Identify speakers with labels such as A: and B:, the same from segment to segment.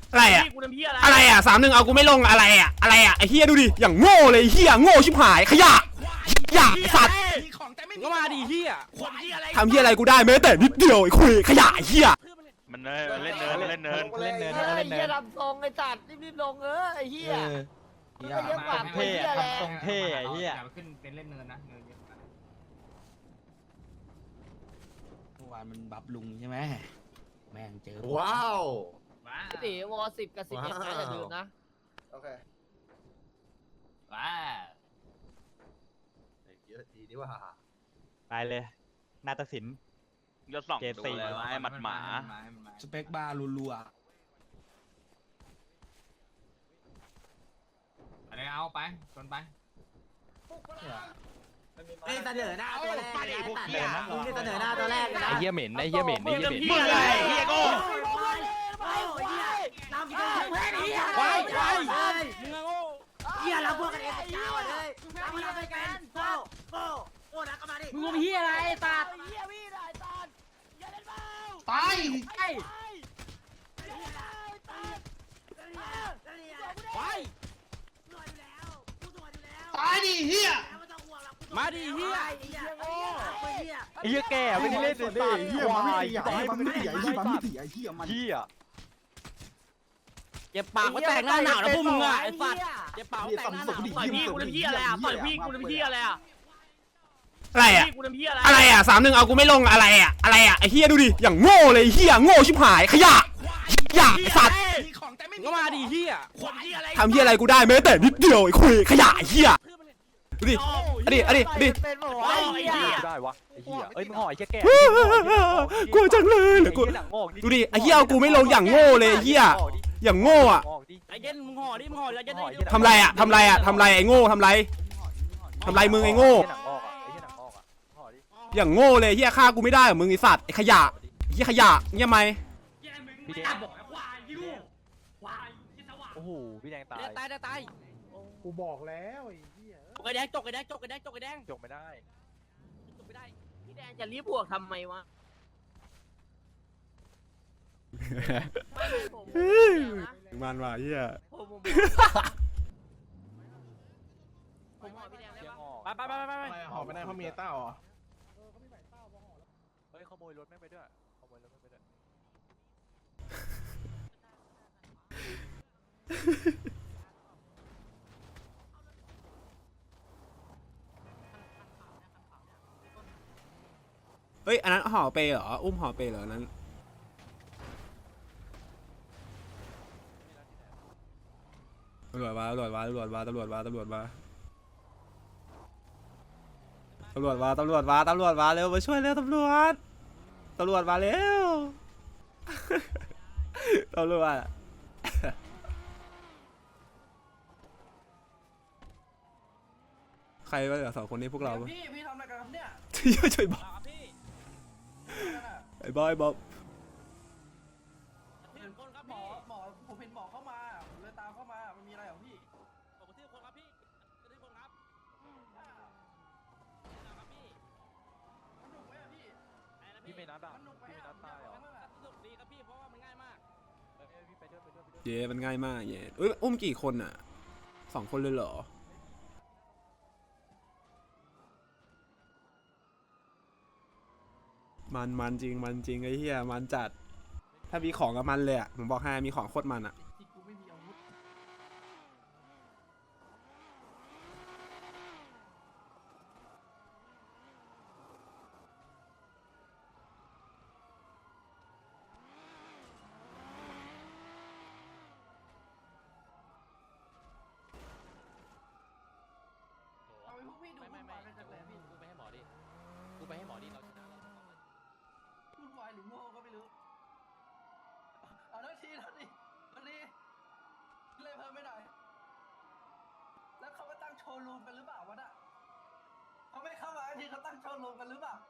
A: อะไรอะอะไรอะ3-1เอากูไม่ลงอะไรอะอะไรอะไอ้เฮียดูดิอย่างโง่เลยเฮียโง่ชิบหายขยะสัตว์
B: ก็มาดิเฮีย
A: ทำเฮียอะไรกูได้แม้แต่นิดเดียวไอ้คุยขยะเฮีย
C: มันเล่นเนินเล่นเนิน
B: เล่นเนิน
D: ไอ้
B: เล่นเนิ
D: เหี้ย
B: น
D: ทำทรงไอ้สัตว์รีบลงไอ้เหี้ย
B: เยอะกว่าเท่ทำทรงเท่ไอ้เฮีย
E: ขึ้นเป็นเล่นเนินนะเนินเยอะ
B: เมื่อวานมันบับลุงใช่ไหมแม่งเจอ
F: ว้าว
D: ตีวอ10กับ11นะอย่าลืมนะ
F: โอเค
E: ว้า
F: เยอะดีนี่ว่า
B: ไปเลยนาฏศิลป์
C: ยศ2ดูเลยไอ้หมัดหมา
B: สเปคบาร์รัว
E: อะไรเอาไปชนไป
D: เล่นเสนอหน้าตัวแรกมึงเล่นเสนอหน้าตัวแรกนะ
B: ไอ้เหี้ยเหม็นไอ้เหี้ยเหม็นไอ้เหี้ยเหม็น
C: มึงอะไรเฮียโง่
D: น้ำกินเพื่อนเหี้ย
B: ไว้ไว้
D: เหี้ยเราพวกกันเองจ้าวเลยเราไม่ไปกันโก้นะก็มาดิ
B: มึงเหี้ยอะไรตัด
D: เหี้ยพี่ได้ตัดอย่าเล่นเบา
B: ตาย
D: ไป
B: ตายดิเหี้ย
D: มาดิเหี้ยไอ้เหี้ยโง่
B: ไอ้เหี้ยแก่ไม่ได้เล่นเลยดิเหี้ยมันไม่ตีมันไม่ตีไอ้เหี้ยมันไม่ตีไอ้เหี้ยมันเหี้ยเจ็บปากมาแตกหน้าหนาวนะพวกมึงอ่ะไอ้สัตว์เจ็บปากแตกหน้าหนาว
D: ต่อยพี่กูเป็นพี่อะไรอ่ะต่อยพี่กูเป็นพี่อะไรอ่ะ
A: อะไรอะ
D: พี่กูเป็นพี่อะไร
A: อะไรอะ3-1เอากูไม่ลงอะไรอะอะไรอะไอ้เฮียดูดิอย่างโง่เลยเฮียโง่ชิบหายขยะสัตว์
B: ก็มาดิเหี้ย
A: ทำเฮียอะไรกูได้แม้แต่นิดเดียวไอ้คุยขยะเฮียดูดิอดี
D: เป็นหมอไอ้เหี้ย
B: ได้วะไอ้เหี้ยเอ้ยมึงห่อไอ้เหี้ยแก่
A: กลัวจังเลยเหลือกูดูดิไอ้เฮียเอากูไม่ลงอย่างโง่เลยเฮียอย่างโง่อะ
B: ไอ้เย็นมึงห่อดิมึงห่อแล้วจะได้
A: ทำไรอะทำไรไอ้โง่ทำไรมึงไอ้โง่อย่างโง่เลยเฮียฆ่ากูไม่ได้มึงไอ้สัตว์ไอ้ขยะเฮียขยะเงี้ยไหม
B: พี่แดงโอ้โหพี่แดงตายตาย
G: กูบอกแล้วไอ้เหี้ย
B: จกไอ้แดงจกไม่ได้
D: จบไม่ได้พี่แดงจะรีบบวกทำไมวะ
A: มันว่ะเฮีย
D: ผมหอพี่แดงได้ปะ
B: ไป
G: หอมไม่ได้เพราะเมียเต้าเหรอ
B: เฮ้ยขโมยรถแม่งไปด้วยขโมยรถแม่งไปด้วย
A: เฮ้ยอันนั้นห่อเปเหรออุ้มห่อเปเหรอนั้นตำรวจมาเร็วมาช่วยเร็วตำรวจมาเร็วตำรวจใครวะเหลือ2 คนนี้พวกเรา
G: พี่ทำอะไรกันครับเนี่ย
A: ช่วยบอกไอ้บอยบอก
G: เห็นคนครับหมอผมเห็นหมอเข้ามาผมเลยตามเข้ามามันมีอะไรของพี่มันดุไหมอะพี่
B: พี่ไม่นัดอ่ะ
G: มันดุไหม
B: พี่ไม่
G: อะ
B: นัดตายเหรอ พี่ไปด้วย
A: เย้มันง่ายมากเย้อุ้มกี่คนอ่ะ2 คนเลยเหรอมันจริงไอ้เหี้ยมันจัดถ้ามีของกับมันเลยอ่ะผมบอกให้มีของโคตรมันอ่ะ
G: ที่กูไม่มีอาวุธ เอาไปพวกพี่ดูวุ่นวายกันจังเลยพี่
B: กูไปให้หมอดิเราชนะแล้ว
G: วุ่นวายหรือโง่ก็ไม่รู้เอาแล้วทีแล้วดิวันนี้เลยเพิ่มไม่หน่อยแล้วเขามาตั้งโชว์รูมกันหรือเปล่าวะน่ะเขาไม่เข้ามาทีเขาตั้งโชว์รูมกันหรือเปล่า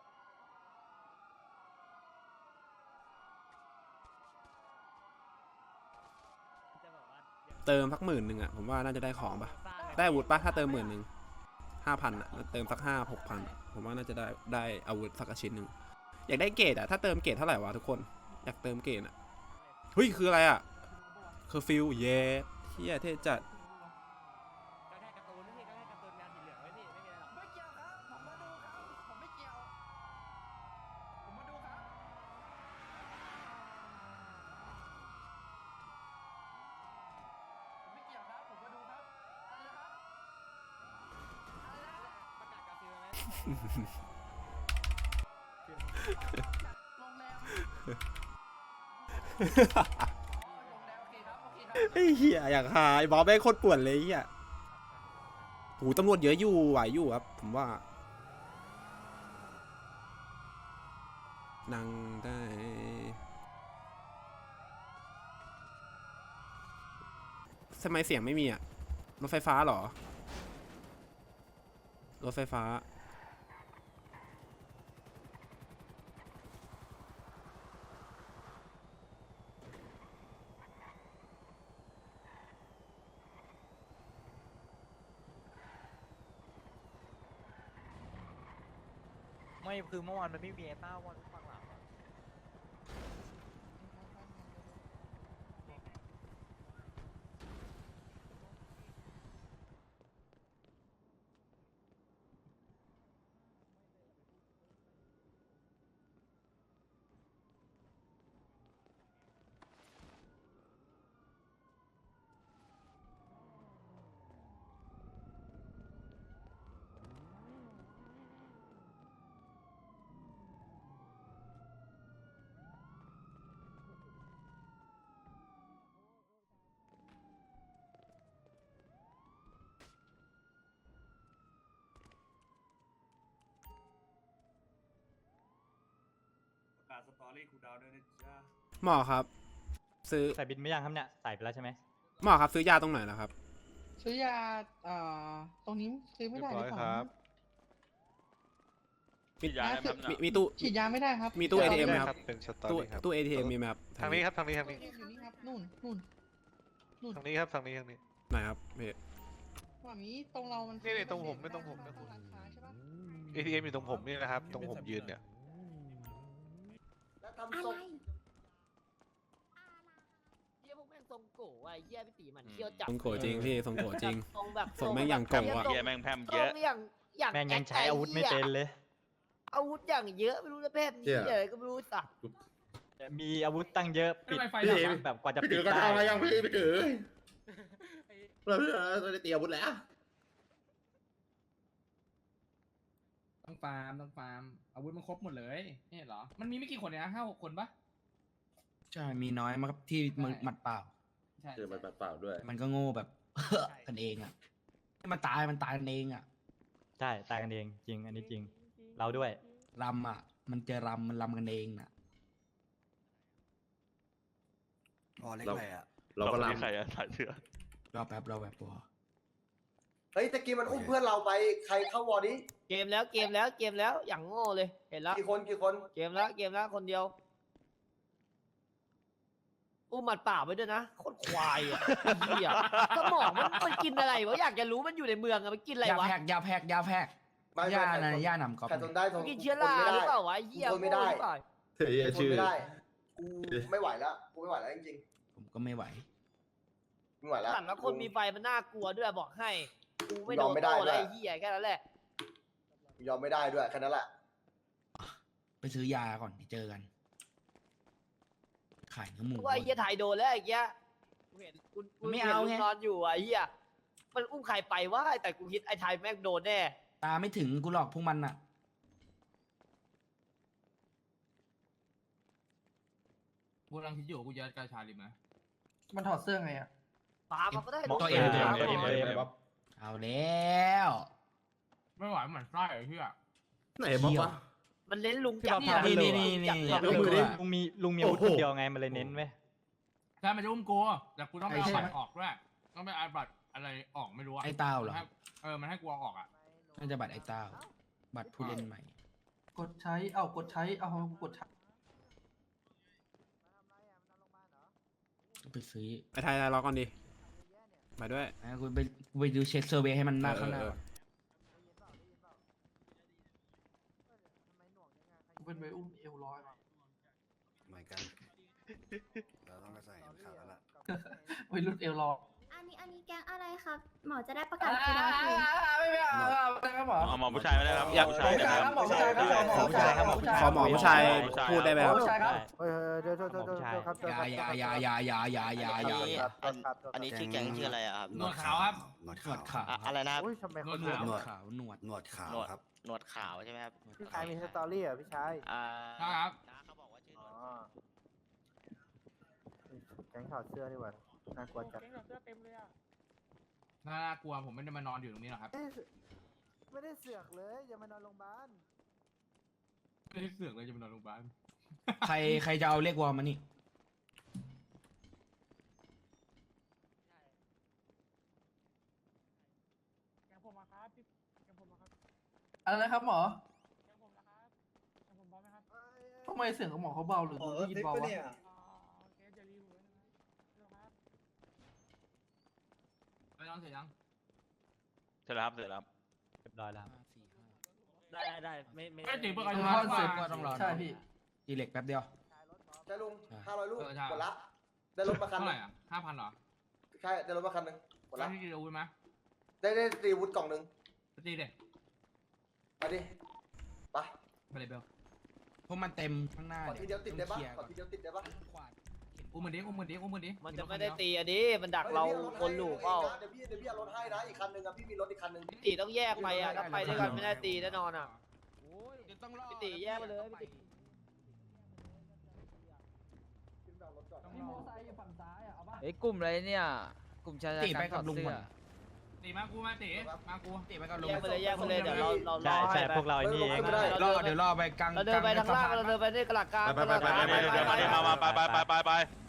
A: เติมสัก10,000อ่ะผมว่าน่าจะได้ของปะได้อาวุธปะถ้าเติม10,000 5,000อ่ะเติมสัก5-6,000ผมว่าน่าจะได้อาวุธสักชิ้นหนึ่งอยากได้เกรดอ่ะถ้าเติมเกรดเท่าไหร่วะทุกคนอยากเติมเกรดอ่ะเฮ้ยคืออะไรอ่ะเคอร์ฟิวเย้เฮียเท่จัด
D: ก็แค่การ์ตูนพี่ก็แค่การ์ตูนแมวสีเหลืองไว้พี่ไม่มีอะไรหรอก
G: ไม่เกี่ยวครับผมมาดูครับผมไม่เกี่ยวผมมาดูครับผมไม่เกี่ยวครับผมมาดูครับอะไรนะครับอะไรนะ
D: ประกาศกาฟิลไหม
G: โรงแรมอ๋อโรงแรมโอเคครับโอเคครับ
A: ไอ้เหี้ยอยากหาไอ้บอสแม่งโคตรป่วนเลยไอ้เหี้ยโหตำรวจเยอะอยู่ไหวอยู่ครับผมว่านั่งได้ทำไมเสียงไม่มีอะรถไฟฟ้าเหรอรถไฟฟ้า
F: ไม่คือเมื่อวานมันไม่มีไอ้ต้าวันฟังหลัง
H: ประกาศสตอรี่คูลดาวน์ด้วยนะจ๊ะ
A: หมอครับ ซื้อ
F: ใส่บินไม่ยังครับเนี่ยใส่ไปแล้วใช่ไหม
A: หมอครับซื้อยาตรงไหนล่ะครับ
I: ซื้อยาตรงนี้ซื้อไม่ได้หรือเปล่า
C: มียาอะไรไหมครับ
A: มีตู้
I: ฉีดยาไม่ได้ครับ
A: มีตู้ ATM ไหมครับ
H: เป็นสตอ
A: ตู้
H: รี่ครับ
A: ตู้ ATM มีไหมครับ
H: ทางนี้ครับทางนี้ทาง
I: อยู่
H: นี้
I: นี่ครับนู่น
H: ทางนี้ครับทางนี้ทางนี้
A: ไหนครับพี่
I: ว่ามีตรงเรามัน
H: นี่ตรงผมไม่ตรงผมนะ
I: ตรงร้านค้าใช่ปะ
H: ATM อยู่ตรงผมนี่นะครับ ตรงผมยืนเนี่ย
D: แล้วทำทรงเยี่ยพวกแม่งทรงโก้ไอ้เยี่ยพี่ตีมันเที่ยวจับ
A: ทรงโกจริงพี่ทรงโกจริง
D: ทรงแบบ
A: ทรงแม่งอย่างโกะ
C: เหี้ยแม่งแพร่ม
D: ท
C: เย
D: รง
C: อะ
D: อย่าง
F: แม่งยังใช้อาวุธไม่เป็นเลย
D: อาวุธอย่างเยอะไม่รู้จะเพศนี้เลยก็ไม่รู้สัก
F: มีอาวุธตั้งเยอะปิด
E: ไฟดับ
F: แบบกว่าจะปิด
J: ก็
F: ได้
J: ทำมายังพี่ถือเราได้เตรียมอาวุธแล้ว
E: ต้องฟาร์มอาวุธมันครบหมดเลยนี่เหรอมันมีไม่กี่คนเนี่ยนะ5-6 คนปะ
B: ใช่มีน้อยมากครับที่มึงหมัดเปล่า
E: ใช่
J: เจอมันเปล่าด้วย
B: มันก็โง่แบบ กันเองอ่ะให้มันตายกันเองอ่ะ
F: ใช่ตายกันเองจริงอันนี้จริง เราด้วย
B: รำอ่ะ มันจะรำมันรำกันเองน่ะ
J: เราก็
C: ไม่
J: ลำ
C: ใครอะถ่ายเสื้อ
B: รอแป๊บพอ
D: เฮ้ยตะกี้มันอุ้มเพื่อนเราไปใครเข้าวอร์นี้เกมแล้วอย่างโง่เลยเห็นแล้วกี่คนเกมแล้วคนเดียวอุ้มหมัดเปล่าไปด้วยนะโคตรควายอ่ะเหี้ยสมองมันกินอะไรวะอยากจะรู้มันอยู่ในเมืองอะมันกินอะไร
B: ยาว
D: ะ
B: แพกยาแพกย่านะย่าหนำกอบ
D: มันกินเชื้อราหรือเปล่าวะไอ้เหี้ยโง่หรือเปล่า
J: เฮ้ยชื่อ
D: กูไม่ไหวแล้วจริง
B: ผมก็ไม่ไหว
D: ๆไม่ไหวแล้วแล้วคนมีไฟมันน่ากลัวด้วยบอกให้กูไม่โดนโต้อะไรไอ้เหี้ยแค่นั้นแหละยอมไม่ได้ด้วยแค่นั้นแหละ
B: ไปซื้อยาก่อนเจอกัน ขายเนื้อหมู
D: ว่าไอ้เหี้ยถ่ายโดนแล้วไอ้เหี้ยกูเห็นกู
B: ไม่
D: เห็น
B: เอา
D: ลู
B: ไง
D: กนอนอยู่อะไอ้เหี้ยมันอุ้มใครไปวะแต่กูคิดไอ้ไทยแม่งโดนแน่
B: ตาไม่ถึงกูหลอกพวกมันอ่ะ
E: กูกำลังคิดอยู่กูจะกาชาลิมไหม
I: มันถอดเสื้อไงอ่ะ
D: ปามันก็ได้
B: ตัวเอง เอาแล้ว
E: ไม่ไหวเหมือนไส้ไอ้เหี้ย
J: ไหนบอกว่า
D: มันเน้นลุงจับ
B: นี่
F: ลุงมีอาวุธคนเดียวไงมันเลยเน้นไว้ย
E: ใช่มันจะอุ้มกูแต่กูต้องไปเอาบัตรออกด้วยต้องไปเอาบัตรอะไรออกไม่รู้อะ
B: ไอ้เต้าเหรอ
E: มันให้กูเอาออกอะ
B: น่าจะบัตรไอ้เต้า บัตรผู้เล่นใหม่
I: กดใช้ กดใช้
B: ไปซื้อ
A: ไอ้ไทยรอก่อนดิไปด้วย
B: กูไปดูเช็คเซอร์เวย์ให้มันหน้าข้างหน้า
I: เป็นไปอุ้มเอวร้อย
J: เหมือนกันเราต้องไปใส่ขาดแล้วล่ะ
G: วัยรุ่นเอลรอ
I: อันนี้แก๊งอะไรครับ หมอจะได้ประกาศทีละที
G: ไม่ครับหมอ
C: เอาหมอผู้ชายไม่ได้ครับ
A: อยาก
C: ผู้ชายนะครับ
G: หมอผู้ชายครับหมอผู้ชายครับ
A: ขอหมอผู้ชายพูดได้ไหมครับ
G: ผู้ชายครับ
B: เดี๋ยวครับ
D: อันนี้ชื่อแก๊งชื่ออะไรอะครับ
E: หนวดขาวครับ
J: หนวด
E: หนวดขาว
D: อะไรนะครับ
B: อุ้ยทำไม
E: หนวด
B: เขา
E: ขาว
J: หนวดขาวครับ
D: หนวดขาวใช่ไหมครับ
B: พี่ชายมีสตอรี่อ่ะพี่ชาย
E: ครับ
D: น้าเขาบอกว่าชื่อ
B: อ๋อแก๊งถอดเสื้อดีกว่าน่ากลัวจัด
E: น่ากลัวผมไม่ได้มานอนอยู่ตรงนี้หรอกครับ
B: ไม่ได้เสือกเลยอย่ามานอนโรงพยาบาล
E: ไม่ได้เสือกเลยจะมานอนโรงพยาบาล
F: ใครจะเอาเลขวอลมานี่
G: อะไรนะครับหมอทำไมเสียงของหมอเขาเบาหรือได้ยินเบาวะ
E: ไปนอนเสร็จยัง
C: เสร็จแล้วครับเสร็จแล้วครับ
F: เรียบร้อยแล้ว
D: ได้ไม่
E: ไม่ติดประกัน
G: คือ
E: มา
G: คอนเซ็ปต์
E: ก็ต้องรอ
G: ใช่พี่
F: ตีเหล็กแป๊บเดียว
D: ใช่ลุง500 ลูก
E: เออใช่
D: หมดละได้รถมาคัน
E: เท่า
D: ห
E: ไห
D: นึ่
E: ร่
D: ง
E: อ่ะ5,000เหรอ
D: ใช่ได้รถมาคันหนึ่งหมด
E: แล้
D: ละ
E: วที่จะรู้ไหม
D: ได้ตีวุฒิกล่องหนึ่ง
E: ตีเด็ก
D: ไปดิไป
E: ไปเลยเบล
F: เพราะมันเต็มข้างหน้า
D: ขอทีเดียวติดได้ปะ
F: คลียร์
D: ขอทีเดียวติดได้ปะ
E: อุ้มมันดิอุ้มมันดิอุ้มมันดิ
D: มันจะไม่ได้ตีอันนี้มันดักเราคนหลูเปล่าเดี๋ยวพี่เอารถให้นะอีกคันหนึ่งอะพี่มีรถอีกคันหนึ่งพี่ตีต้องแยกไปอะถ้าไปด้วยกันไม่ได้ตีแน่นอนอะ
E: ต้องรอ
D: พี่ตีแยกไปเลยพี่ตี
G: มีโมไซค์อยู่ฝั่งซ้ายอ่ะเอาป่ะ
F: เฮ้ยกลุ่มอะไรเนี่ย กลุ่มชาย ตีไปกับลุงหมด
E: ตีมากูมาตีมากู
F: ตีไปกับลุง
D: แยกไปเลยแยกไปเลยเดี๋ยวเรา
F: ใช่ใช่พวกเรา
D: ไอ้นี่เอง
F: รอเดี๋ยวรอไปกลาง
D: เราเดินไปทางล่างเราเดินไปที่กระหลักกลาง
C: ไปมาไปไปไปไป